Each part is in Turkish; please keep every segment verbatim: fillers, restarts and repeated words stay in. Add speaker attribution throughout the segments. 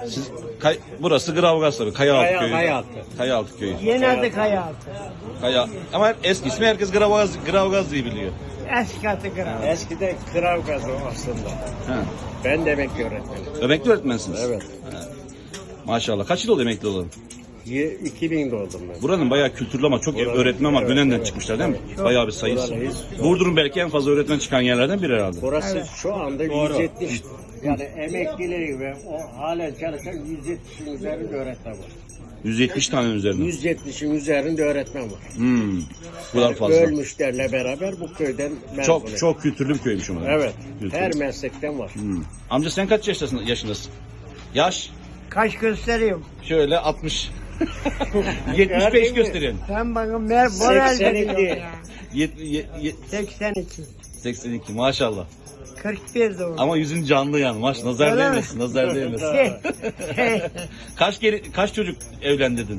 Speaker 1: Siz, kay, burası Gravgaz tabii. Kayaaltı
Speaker 2: Kaya-
Speaker 1: köyü.
Speaker 2: Kayaaltı.
Speaker 1: Kayaaltı köyü.
Speaker 3: Yeni adı Kayaaltı.
Speaker 1: Kaya, ama eski ismi herkes Gravgaz, Gravgaz diye biliyor.
Speaker 3: Eski adı Kayaaltı.
Speaker 2: Eskiden kırav gazı aslında.
Speaker 1: Ha.
Speaker 2: Ben de emekli öğretmenim.
Speaker 1: Emekli öğretmensiniz.
Speaker 2: Evet.
Speaker 1: Maşallah. Kaç yıl oldu emekli olalım?
Speaker 2: Ye- iki bin doğdum ben.
Speaker 1: Buranın bayağı kültürlü ama çok
Speaker 2: Buranın-
Speaker 1: öğretmen var.
Speaker 2: evet,
Speaker 1: Gönen'den
Speaker 2: evet.
Speaker 1: çıkmışlar değil mi?
Speaker 2: Evet.
Speaker 1: Bayağı bir sayısı.
Speaker 2: Buralıyız.
Speaker 1: Burdur'un belki en fazla öğretmen çıkan yerlerden biri herhalde.
Speaker 2: Burası
Speaker 3: Evet.
Speaker 2: şu anda yüz yetmiş. Yani emeklileri ve o halen çalışan yüz yetmişin üzerinde öğretmen var.
Speaker 1: yüz yetmiş tane üzerinde.
Speaker 2: yüz yetmişin üzerinde öğretmen var.
Speaker 1: Hmm. Bu kadar fazla.
Speaker 2: Ölmüşlerle beraber bu köyden mezun.
Speaker 1: Çok çok kültürlü bir köymüş ama.
Speaker 2: Evet.
Speaker 1: Kültürlü.
Speaker 2: Her meslekten var.
Speaker 1: Hmm. Amca sen kaç yaşındasın, yaşındasın? Yaş?
Speaker 3: Kaç gösteriyorum?
Speaker 1: Şöyle altmış. yetmiş beş gösteriyorsun.
Speaker 3: Sen bana mer moral
Speaker 2: seksen iki.
Speaker 3: veriyorsun ya.
Speaker 1: Yet- ye- ye-
Speaker 3: seksen iki.
Speaker 1: seksen iki maşallah.
Speaker 3: kırk bir doğum.
Speaker 1: Ama yüzün canlı yani. Maş nazar
Speaker 3: Öyle mi?
Speaker 1: değmesin, nazar değmesin.
Speaker 3: Şey, şey,
Speaker 1: kaç kere kaç çocuk evlendirdin?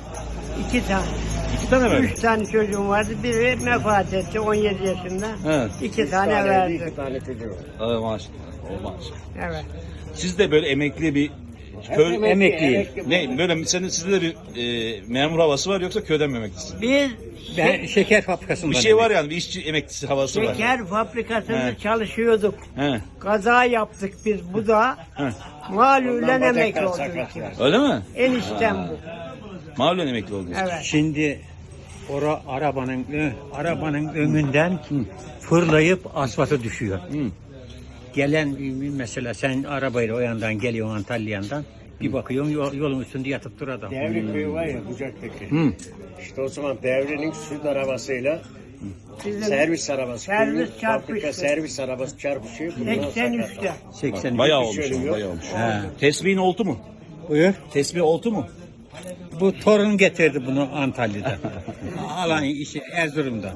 Speaker 3: iki tane.
Speaker 1: İki tane mi?
Speaker 3: Üç tane çocuğum vardı. Biri vefat etti on yedi yaşında.
Speaker 1: Evet.
Speaker 3: İki
Speaker 2: Üç
Speaker 3: tane
Speaker 2: tane,
Speaker 3: verdi.
Speaker 2: iki tane çocuğu var.
Speaker 1: Aa, maşallah. maşallah.
Speaker 3: Evet.
Speaker 1: Siz de böyle emekli bir köy
Speaker 2: Emekli,
Speaker 1: emekliyim.
Speaker 2: emekli.
Speaker 1: Ne böyle senin sizde de bir e, memur havası var yoksa köyden mi emeklisin?
Speaker 3: Biz
Speaker 4: Ben şeker fabrikasından.
Speaker 1: Bir şey var yani bir işçi emeklisi havası var.
Speaker 3: şeker fabrikasında
Speaker 1: He.
Speaker 3: çalışıyorduk.
Speaker 1: He.
Speaker 3: Kaza yaptık biz. Bu da
Speaker 1: He.
Speaker 3: malülen
Speaker 2: Ondan
Speaker 3: emekli
Speaker 2: bacaklar
Speaker 3: olduk.
Speaker 1: Öyle
Speaker 2: sakatlar.
Speaker 1: mi?
Speaker 3: Eniştem bu.
Speaker 1: Mahallen emekli oldunuz.
Speaker 3: Evet.
Speaker 4: Şimdi ora arabanın ö- arabanın önünden fırlayıp asfalta düşüyor.
Speaker 1: Hı.
Speaker 4: Gelen mesela sen arabayla o yandan geliyorsun Antalya'dan bir bakıyorsun yol- yolun üstünde yatıp dur adam.
Speaker 2: Devri köyü var ya Bucak'taki.
Speaker 1: Hı.
Speaker 2: İşte o zaman devrinin süt arabasıyla
Speaker 3: Bizim
Speaker 2: servis arabası.
Speaker 3: Servis
Speaker 2: köyün
Speaker 3: çarpıştı.
Speaker 2: Fabrika servis arabası çarpışıyor. bunlar
Speaker 3: seksen üçte.
Speaker 2: sakatlar.
Speaker 4: seksen
Speaker 1: Bayağı
Speaker 2: Bir
Speaker 1: olmuş
Speaker 2: şey
Speaker 1: ama,
Speaker 2: yok.
Speaker 1: bayağı olmuş.
Speaker 4: He.
Speaker 1: Tesbihin oltu mu?
Speaker 4: Buyur.
Speaker 1: Tesbih oltu mu?
Speaker 4: Bu torun getirdi bunu Antalya'dan. Alan işi Erzurum'dan.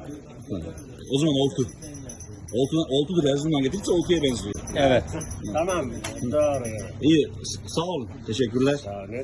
Speaker 1: O zaman oltu. Oltu, oltudur Erzurum'dan getirirse oltuya benziyor.
Speaker 4: Evet.
Speaker 2: Tamam. Doğru.
Speaker 1: İyi, s- sağ olun. Teşekkürler.
Speaker 2: Yani